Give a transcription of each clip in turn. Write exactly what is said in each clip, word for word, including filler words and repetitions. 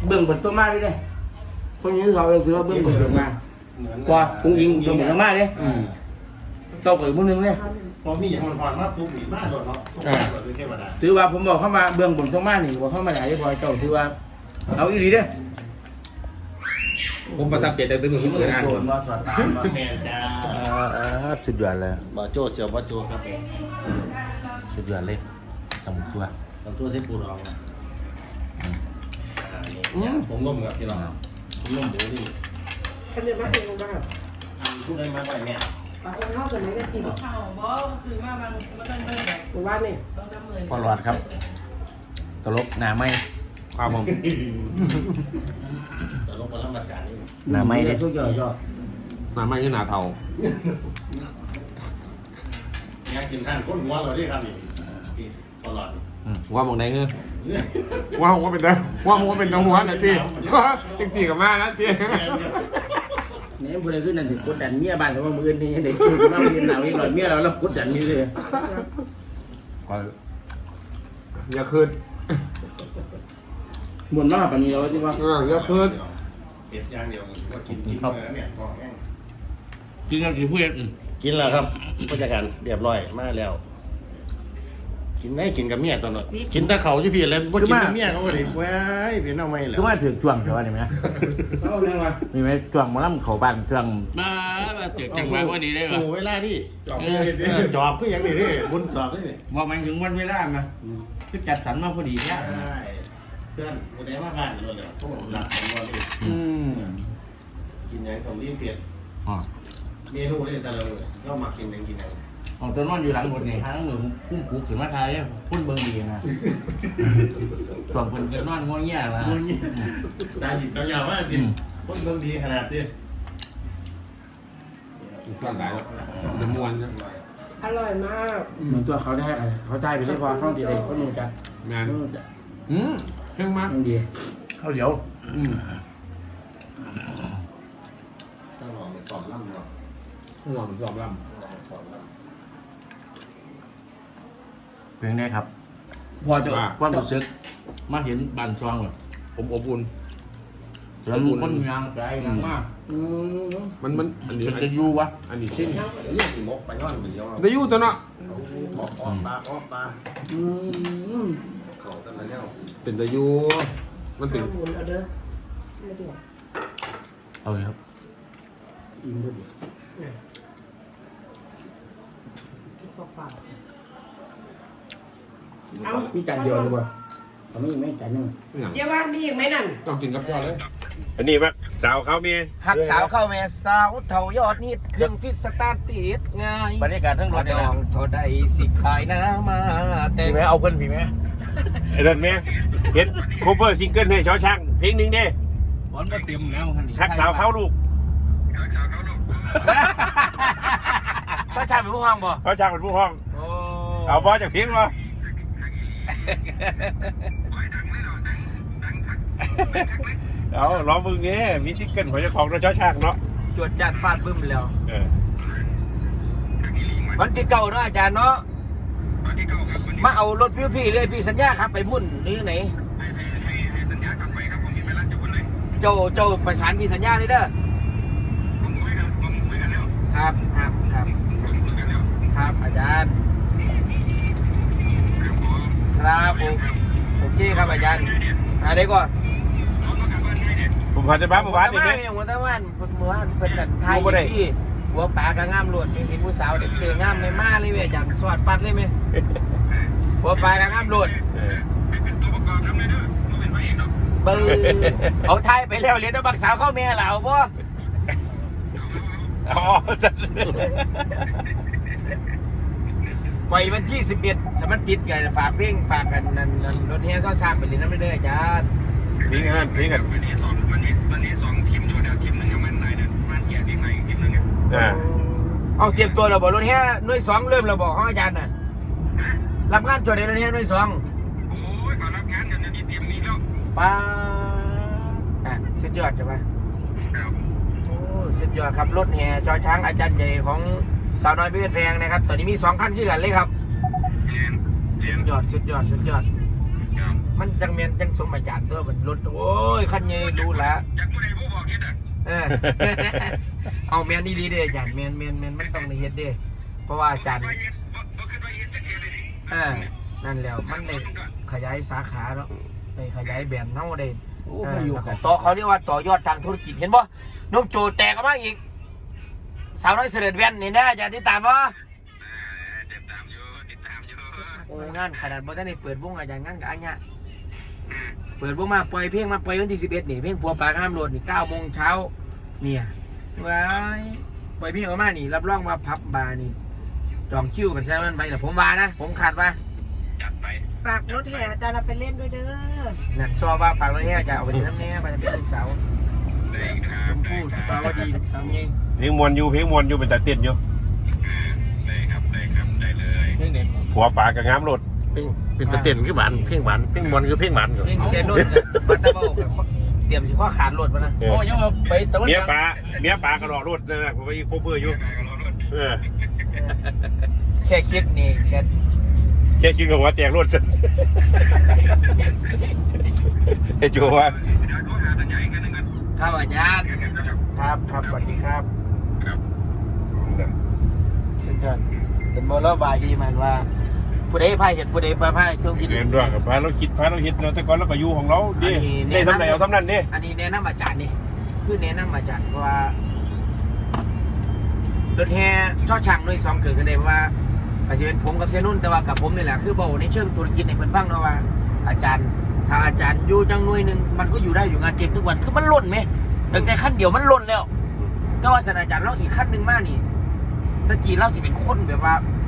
เบื้องบนต้นไม้เลยเนี่ยคนนี้เขาเลยถือว่าเบื้องบนต้นไม้ว่ากุ้งยิงเบื้องบนต้นไม้เลยเจ้าเกิดมือนึงเนี่ยพอมีอย่างมันผ่อนมาปุ๊บหนีมาโดนเนาะเทวดาถือว่าผมบอกเข้ามาเบื้องบนต้นไม้นี่บอกเข้ามาไหนพอเจ้าถือว่าเอาอีหลีเด้อผมประทับใจแต่ตื่นมือมือนานคนแมนจ้าสุดยอดเลยบ่โจ้เสียวบ่โจ้ครับสุดยอดเลยตำตัวตำตัวที่ปูรองผมร่วมกับพี่น้องผมร่วมเดี๋ยวนี่อันนี้มาเองบ้างพูดได้มากไปเนี่ยปากข้าวส่วนไหนก็กินข้าวบ่ซื้อมาบางมันต้องเบิ่งแบบหมู่บ้านนี่ต้องจำเลยพอหลอดครับตลบหนาไม่ความผมตลกมาแล้วมาจานนี่หนาไม่เลยทุกอย่างก็หนาไม่คือหนาเทาอยากกินท่านก้นหัวเราดิครับนี่ตลอดว่ามองไหนคือว่าว่าเป็นตัวว่าว่าเป็นตัวหัวนะตีจริงจริงกับมานะตีเนี่ยพอเลยขึ้นนั่นถึงกดดันเมียบ้านเขาว่ามือนี่เด็กคือมาเรียนหนาวอีกหน่อยเมียเราเรากดดันนี่เลยอย่าคืนหมดมากแบบนี้เราที่ว่าอย่าคืนเก็บอย่างเดียวว่ากินกินเลยเนี่ยพอแห้งกินแล้วสิเพื่อนกินแล้วครับผู้จัดการเรียบร้อยมาแล้วกินได้กินกับเมียตอนนั้นกินแต่เขาที่พี่เลยว่ากินกับเมียเขาก็เลยว้ายพี่น้องไม่เลยคือว่าถือจ้วงใช่ไหมเนี่ยไหมเอาเรื่องว่ามีไหมจ้วงมาล่ำเขาบ้านจ้วงมามาเจอจังหวะว่าดีได้ป่ะโอ้เวลาที่จอบจอบก็ยังดีดิบุญจอบได้ดิบอกมันถึงวันเวลามาคือจัดสรรมาพอดีเนี่ยเพื่อนคนไหนมาผ่านเลยเลยเขาบอกหลับของวันนี้กินยังต้องรีบเปลี่ยนเมนูนี่แต่เราก็มากินยังกินยังของตัวนอนอยู่หลังบนนี่ฮะหนึ่งพุ่งผูกถึงมาทายเนี่ยพุ่นเบิ้งดีนะส่วนคนกินนอนงอแง่ละตาจิตเจ้าอยาวว่าจิตพุ่นเบิ้งดีขนาดนี้ส่วนไหนจะม้วนอร่อยมากเหมือนตัวเขาได้เขาได้ไปเรียบร้อยเขาดีเลยเขาหนุ่มจัดงานอืมเพิ่งมาดีเขาเดี๋ยวอืมต้องลองสอบล่ำเนาะต้องลองสอบล่ำเป็นไงครับพอจะความรู้สึกมาเห็นบ้านซองแบบผมอบอุ่นแล้วคนยางใจยางมากมันมันอันนี้จะอยู่วะอันนี้ชิ้นเรื่องมกไปย้อนเหมือนย้อนได้อยู่ตัวเนาะออกออกปลาออกปลาเขาตั้งแต่เนี่ยเป็นได้อยู่มันเป็นหมุนเอาเด้อไม่ดีเอาเลยครับอินด้วยคิดฝากฝากเอ้ามีจานเดียวดีกว่าเขาไม่ไม่จานนึงเดี๋ยวว่ามีอีกไหมนั่นต้องกินกับจอเลยอันนี้มักสาวเขาเมียหักสาวเข้าเมียสาวเท่ายอดนิดเครื่องฟิตสตาร์ทติดง่ายบรรยากาศทั้งรถดองเท่าใดสิขายน้ำมาแต่ไม่เอาเพิ่นผีไหมไอ้เดินเมียเห็นโคเวอร์ซิงเกิลให้ชอช่างเพลงหนึ่งเด้บอลก็เต็มแล้วคันนี้หักสาวเขาลูกชอช่างเป็นผู้ห้องบ่ชอช่างเป็นผู้ห้องเอาบอลจากเพลงบ่เอาร้องมึงเงี้ยมีซิงเกิลของเจ้าของเราชอช่างเนาะจวดจัดฟาดบึ้มแล้ววันที่เก่าเนาะอาจารย์เนาะมาเอารถพี่พี่เลยพี่สัญญาครับไปพุ่นนี่ไหนเจ้าเจ้าประสานพี่สัญญาเลยเด้อครับครับครับครับอาจารย์ครับโอเคครับอาจารย์อะไรก่อนผมผ่านจะบ้านผมผ่านนี่ไหมผมตะวันผมเมื่อวานเป็นกันไทยที่หัวปลากระง่ามหลวดเห็นผู้สาวเด็กเสือง่ามไม่มาเลยเว้ยอาจารย์สวัสดิ์ปัดเลยไหมหัวปลากระง่ามหลวดเบอร์เขาไทยไปแล้วเรียนต้องบักสาวเข้าเมียเหล่าป่ะอ๋อไปวันที่สิบเอ็ดสมัครติดกันฝากเพลงฝากกันนั่นนั่นรถแห่ซ้อสร้างไปเรียนน้ำเรื่อยๆจ้าเพลงนั้นเพลงกันวันนี้สองวันนี้วันนี้สองทีมดูเดี๋ยวทีมหนึ่งยังมันไหนเนี่ยมันเกียร์ทีมไหนทีมหนึ่งเนี่ยเอาเตรียมตัวเราบอกรถแห่หน่วยสองเริ่มเราบอกห้องอาจารย์น่ะรับงานจดในรถแห่หน่วยสองโอ้ยขอรับงานกันจะมีเตรียมนี้แล้วป้าอ่ะสุดยอดใช่ไหมโอ้สุดยอดครับรถแห่จอช้างอาจารย์ใหญ่ของสาวน้อยเพชรแพงนะครับตอนนี้มีสองขั้นขึ้นกันเลยครับสุดยอดสุดยอดสุดยอดมันจังเมียนจังสมอาจารย์ตัวมันรถโอ้ยคันใหญ่รู้ละจากผู้ใดผู้บอกคิดอ่ะเออ เอาเมียนนี่ดีเด้อาจารย์เมียนเมียนเมียนมันต้องในเฮ็ดเด้เพราะว่าอาจารย์ว่าเย็นว่าขึ้นว่าเย็นจะเทียเลยดิเออนั่นแล้วมันได้ขยายสาขาแล้วได้ขยายแบรนด์เฮาได้โอ้มาอยู่กับต่อเขาเรียกว่าต่อยอดทางธุรกิจเห็นบ่น้องโจแตกออกมาอีกสาวน้อยเสด็จแว่นนี่นะอาจารย์ติดตามบ่ติดตามอยู่ติดตามอยู่โอ้งานขนาดบ่ทันได้เปิดวงอาจารย์งานกับอันเนี้ยเปิดวงมาปล่อยเพลงมาปล่อยวันที่สิบเอ็ดนี่เพลงผัวปลาข้ามโลดนี่เก้าโมงเช้าเนี่ยว้ายปล่อยเพลงออกมานี่รับรองว่าพับบาร์นี่จองคิวกันใช่มันไปแต่ผมว่านะผมขาดว่าจัดไปฝากรถแห่อาจารย์เราไปเล่นด้วยเด้อนั่นซอว่าฝากไว้ให้อาจารย์เอาไปทำแน่ไปเป็นลูกสาวได้ครัชบมพู่สตาร์วดีลูกสาวไงเพลงมวนอยู่เพลงมวนอยู่เป็นตาเต้นอยู่ได้ครับได้ครับได้เลยเพลงเด็กผัวปลากับงามรถเพลงเป็นตะเต้นคือหวานเพลงหวานเพลงมวนคือเพลงหวานก่อนเพลงเซนนุ่นกับบัตเตอร์เบิลกับเตรียมสิข้อขาดรถมานะโอ้ยังเอาไปตะวันเมียปลาเมียปลากระรอกรถนั่นแหละผมไปโคเวอร์อยู่เออแค่คิดนี่แค่แค่คิดกับหัวแตกรถ ไอ้โจว่าเดี๋ยวโทรหาท่านใหญ่กันนึงกันครับอาจารย์ครับครับสวัสดีครับเชิญเชิญเป็นโมเลบายดีมันว่าผู้ใดพายเห็นผู้ใดพายพายช่วงคิดเรียนด้วยกับพาเราคิดพาเราคิดเนาะแต่ก่อนเราก็อยู่ของเราดิได้สำไหนเอาสำนั้นดิอันนี้แนะนำอาจารย์นี่คือแนะนำอาจารย์เพราะว่ารถแห่ช่อช่างด้วยสองเกิดกันได้เพราะว่าอาจจะเป็นผมกับเซนุ่นแต่ว่ากับผมนี่แหละคือบอกในเชิงธุรกิจในเพิ่นฟังเนาะว่าอาจารย์ถ้าอาจารย์อยู่จังหน่วยหนึ่งมันก็อยู่ได้อยู่งานเจ็บทุกวันคือมันล่นไหมตั้งแต่ขั้นเดียวมันล่นแล้วแต่ว่าศาสตราจารย์เราอีกขั้นหนึ่งมากนี่ตะกี้เราสิเป็นคนแบบว่า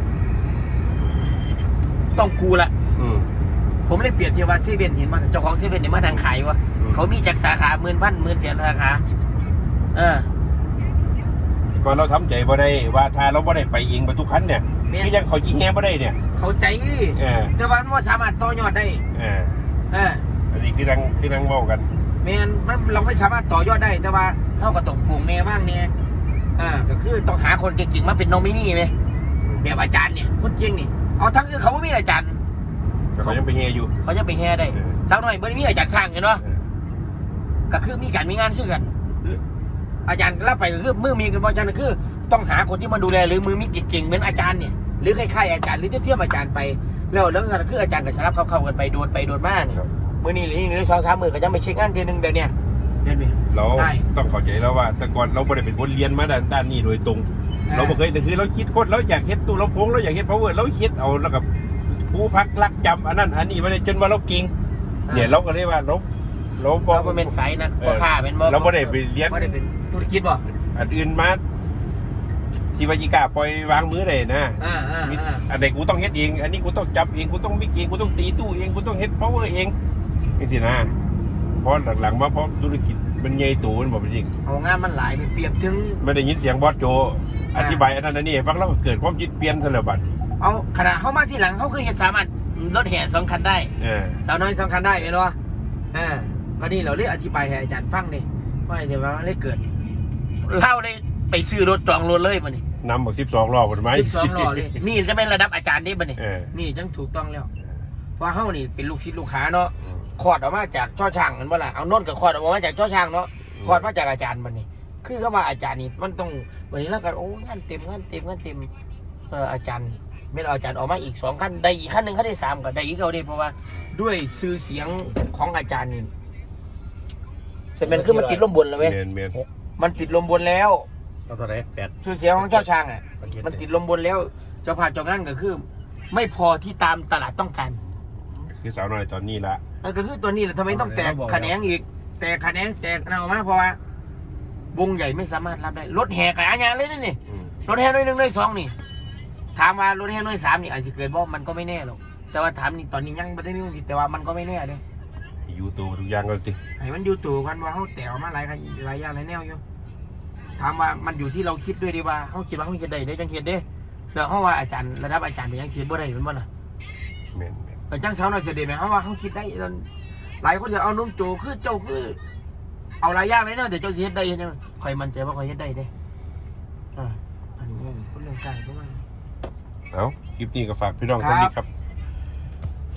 ต้องกูละอืมผมเลยเปรียบเทียบว่าเซเว่นเห็นว่าเจ้าของเซเว่นเนี่ยมาทางขายวะอืมเขามีจากสาขาหมื่นพันหมื่นแสนสาขาเออก่อนเราทำใจบ่ได้ว่าถ้าเราบ่ได้ไปเองไปทุกคันเนี่ยคือยังเขาจีแฮบ่ได้เนี่ยเข้าใจเออแต่ว่ามันบ่สามารถต่อยอดได้เออเอออันนี้คือนั่งคือนั่งเมากันแมนมันเราไม่สามารถต่อยอดได้แต่ว่าเราก็ต้องปลูกแนวบ้างเนี่ยอ่าก็คือต้องหาคนเก่งๆมาเป็นโนมินีไหมแบบอาจารย์เนี่ยคนเก่งนี่เอาทั้งอื่นเขาไม่มีอาจารย์แต่เขายังไปเฮอยู่เขาจะไปแห่ได้เออสาวน้อยเบอร์มีอาจารย์สร้างเห็นปะก็คือมีการมีงานคือกัน อาจารย์รับไปก็คือมือมีกันเพราะอาจารย์ก็คือ ต้องหาคนที่มาดูแลหรือมือมีเก่งๆเหมือนอาจารย์เนี่ยหรือคล้ายๆอาจารย์หรือเทียบๆอาจารย์ไปแล้วแล้วก็คืออาจารย์ก็สลับเข้าๆกันไปโดนไปโดนมาเนี่ยครับมื่อนี้หรือนี่สองสามหมื่นก็จะไปเช็คงานทีนึงแบบเนี้ยเดือนนี้เราได้ต้องเข้าใจแล้วว่า แต่ก่อนเราไม่ได้เป็นคนเรียนมาด้านด้านนี้โดยตรงอ่าเราไม่เคยแต่คือเราคิดคนเราอยากเฮ็ดตู้ลำโพงเราอยากเฮ็ด power เราคิดเอาแล้วกับผู้พักรักจำอันนั้นอันนี้มาเลยจนว่าเราเก่งเนี่ยเราก็เลยว่าเราเราบอเรากก็เป็นสายนักพ่อค้าเป็นบ่เราไม่ได้ไปเรียนไม่ได้เป็นธุรกิจบ่อันอื่นมาที่วายิกาปล่อยวางมือเลยนะอ่าอ่ามีอ่าอันใดกูต้องเฮ็ดเอง อันนี้กูต้องจับเองกูต้องมิกเองกูต้องตีตู้เองกูต้องเฮ็ด power เองนี่สินะเพราะหลังๆมาเพราะธุรกิจมันใหญ่โตมันบอกจริงเอางานมันหลายไปเปรียบถึงไม่ได้ยินเสียงบอสโจ อธิบายอันนั้นอันนี้ให้ฟังแล้วก็เกิดความคิดเปลี่ยนซะแล้วบัดเอาขณะเข้ามาที่หลังเขาคือเห็นสามารถรถแห่สองคันได้เออสาวน้อยสองคันได้เห็นบ่อ่าวันนี้เราเรียกอธิบายให้อาจารย์ฟังนี่ว่าเดี๋ยวว่ามันเลยเกิดเล่าได้ไปซื้อรถจองรถเลยมันนี่นำบอกสิบสองรอบหมดไหมสิบสองล้อเลยนี่จะเป็นระดับอาจารย์นี่มันนี่เออนี่จังถูกต้องแล้วเพราะเฮานี่เป็นลูกศิษย์ลูกหาเนาะคลอดออกมาจากช่อช่างกันบ่ล่ะเอาโน่นกับคลอดออกมาจากช่อช่างเนาะคลอดมาจากอาจารย์มันนี่คือก็ว่าอาจารย์นี่มันต้องวันนี้แล้วกันโอ้งานเต็มงานเต็มงานเต็มเอออาจารย์ไม่เอาอาจารย์ออกมาอีกสองขั้นได้อีกขั้นหนึ่งขั้นได้สามก็ได้อีกเขาได้เพราะว่าด้วยชื่อเสียงของอาจารย์นี่แต่มันคือมันติดลมบนแล้วเว้ยเมนเมนมันติดลมบนแล้วเอาเท่าไหร่แปดชื่อเสียงของเจ้าช่างอ่ะประเทศมันติดลมบนแล้วเจ้าผ่านเจ้านั่นก็คือ ไม่พอที่ตามตลาดต้องการคือสาวน้อยตอนนี้ละเออก็คือตัวนี้แหละทำไมต้องแตกแขนงอีกแตกแขนงแตกนั่นออกมาเพราะว่าวงใหญ่ไม่สามารถรับได้รถแห่ขายอาญาเลยนี่นี่อืมรถแห่น้อยหนึ่งน้อยสองนี่ถามว่ารถแห่น้อยสามนี่อาจจะเกิดบ่มันก็ไม่แน่หรอกแต่ว่าถามนี่ตอนนี้ยังไม่ได้มีความคิดแต่ว่ามันก็ไม่แน่เลยอยู่ตัวทุกอย่างก็ติให้มันอยู่ตัวกันว่าเขาแตกออกมาหลายคันหลายอย่างหลายแนวอยู่ถามว่ามันอยู่ที่เราคิดด้วยดีว่าเขาคิดว่าเขาคิดได้ได้จังคิดเด้แล้วเขาว่าอาจารย์ระดับอาจารย์เป็นยังคิดบ่ได้เป็นบ่ล่ะเมนเมนแต่จังสาวน้อยเสด็จไหมเขาว่าเขาคิดได้หลายคนจะเอานุ่มโจคือเจ้าคือเอาหลายอย่างเลยเนาะแต่เจ้าสิเฮ็ดได้ยังคอยมั่นใจว่าคอยเฮ็ดได้เด้อ่าอันนี้คนเรื่องสร้างก็ว่าเอาคลิปนี้ก็ฝากพี่น้องท่านนี้ครับ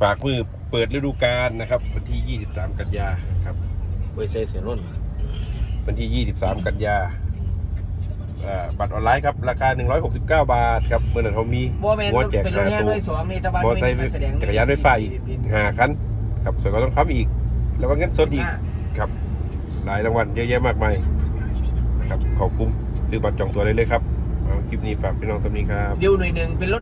ฝากมือเปิดฤดูกาลนะครับวันที่ยี่สิบสามกันยาครับเว้ยใส่เสียนุ่นวันที่ยี่สิบสามกันยาอ่าบัตรออนไลน์ครับราคาหนึ่งร้อยหกสิบเก้าบาทครับเมื่อนั้นเขามีบ่แม่นหัวแจกเป็นรถห้าแห่ตู้ด้วยสองนี่ตะวันมอไซค์จักรยานไฟฟ้าอีกห้าคันครับส่วนก็ต้องค้ำอีก แล้วก็เงินสดอีกครับหลายรางวัลเยอะแยะมากมายนะครับขอบคุ้มซื้อบัตรจองตัวได้เลยครับเอาคลิปนี้ฝากพี่น้องสำนีครับเดี๋ยวหน่วยหนึ่งเป็นรถ